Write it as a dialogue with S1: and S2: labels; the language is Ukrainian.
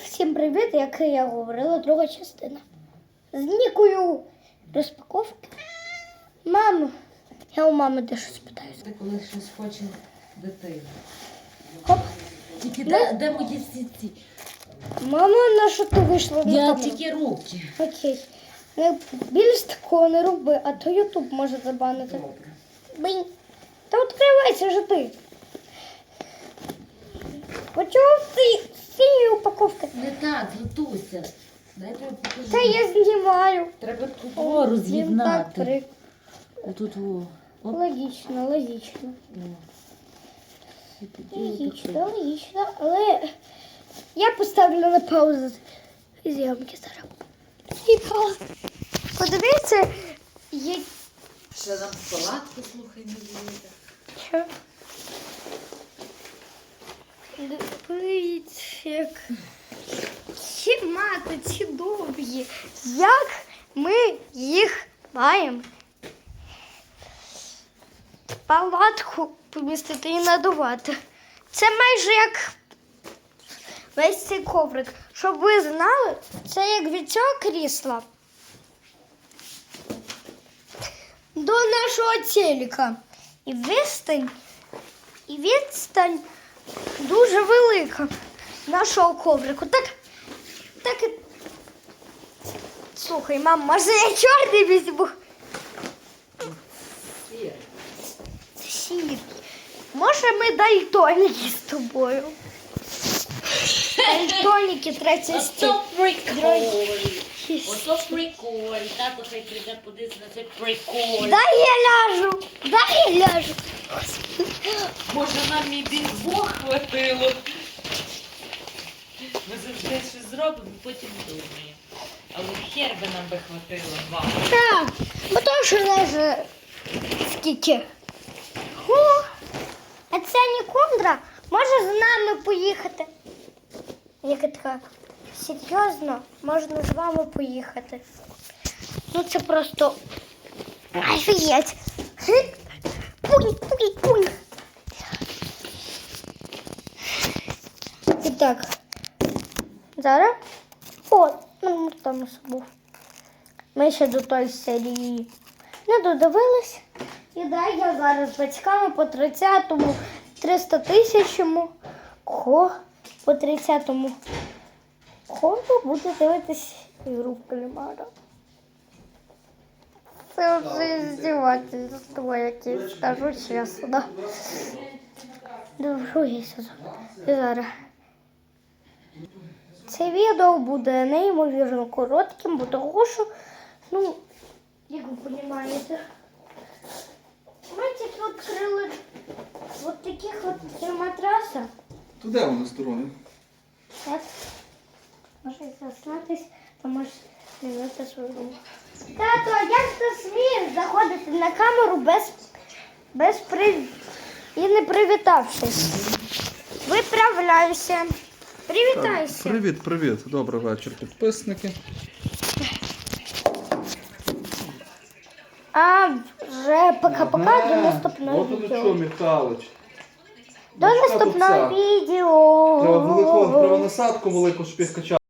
S1: Всім привіт, як я говорила, друга частина. З Нікою розпаковки. Мамо, я у мами дещо спитаюся.
S2: Ти коли щось хоче дитина.
S1: Хоп.
S2: Тільки де мої всі ці?
S1: Мамо, на що ти вийшла на
S2: Я
S1: камеру?
S2: тільки руки.
S1: Окей. Більш такого не роби, а то Ютуб може забанити.
S2: Добре.
S1: Бинь. Та відкривайся же ти. Почув ти синьої упаковки?
S2: Не так, Златуся. Дай я тобі покажу.
S1: Та я знімаю.
S2: Треба тут о, роз'єднати.
S1: Так,
S2: Отут о. Оп.
S1: логічно, логічно.
S2: О. І тоді
S1: Логічно, логічно, але я поставлю на паузу зйомки зараз. І пауза. Подивіться, є...
S2: ще нам палатку, слухай, не буде.
S1: Що? Дивіться, як ці мати, ці довгі. Як ми їх маємо? Палатку помістити і надувати. Це майже як весь цей коврик. Щоб ви знали, це як від цього крісла до нашого телека. І відстань дуже велика нашого коврику. Так і... Слухай, мам, може я чорний візьму? Сірий. Може ми дальтоніки з тобою? Дальтоніки третя стіль.
S2: Ото прикол. Тато хай прийде подивитися на цей прикол.
S1: Дай я ляжу.
S2: Може нам і бінбо хватило. Ми завжди щось зробимо, потім думаємо. Але хер би нам би хватило, мама.
S1: Так, бо то що лежить скільки. А ця Нікондра може з нами поїхати. Яка така, серйозно, можна з вами поїхати. Ну це просто офігеть. Пунь. І так, зараз, ну там був. Ми ще до тої серії не додивились. І дай я зараз з батьками по 30-му 300 тисячому по 30-му коду буде дивитись ігру в кальмара. Це вже здівательство якесь, скажу чесно. Другий сезон. І зараз. Це відео буде неймовірно коротким, бо того, що, ну, як ви розумієте, ми тільки відкрили от таких от три матраса.
S3: То де вони сторони?
S1: Так. Може заснатись, то можеш змінити свою думку. Тато, а як ти смієш заходити на камеру і не привітавшись? Виправляйся. Привітайся.
S3: Привіт. Добрий вечір, підписники.
S1: А вже пока-пока до наступного
S3: От воно що,
S1: відео.
S3: Михайлович.
S1: До наступного відео.
S3: Треба насадку велику, щоб їх качати.